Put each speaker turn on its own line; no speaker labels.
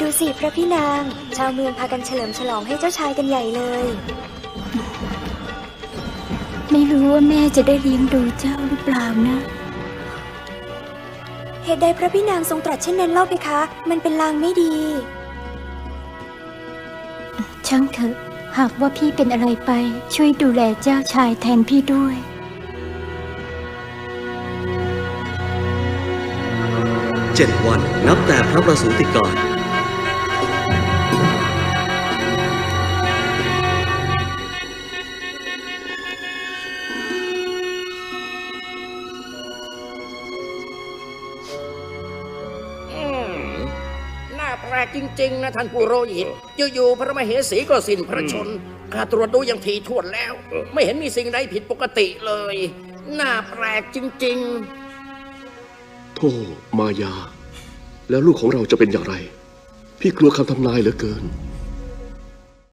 ดูสิพระพี่นางชาวเมืองพากันเฉลิมฉลองให้เจ้าชายกันใหญ่เลย
ไม่รู้ว่าแม่จะได้เลี้ยงดูเจ้าหรือเปล่านะ
เหตุใดพระพี่นางทรงตรัสเช่นนั้นเล่าเพคะ มันเป็นลางไม่ดี
ช่างเถอะหากว่าพี่เป็นอะไรไปช่วยดูแลเจ้าชายแทนพี่ด้วย
7 วันนับแต่พระประสูติการ
น่าแปลกจริงๆนะท่านผู้โรหิตอยู่ๆพระมเหสีก็สิ้นพระชนข้าตรวจดูอย่างถี่ถ้วนแล้ว ไม่เห็นมีสิ่งใดผิดปกติเลยน่าแปลกจริงๆ
โธ่มายาแล้วลูกของเราจะเป็นอย่างไรพี่กลัวคำทำนายเหลือเกิน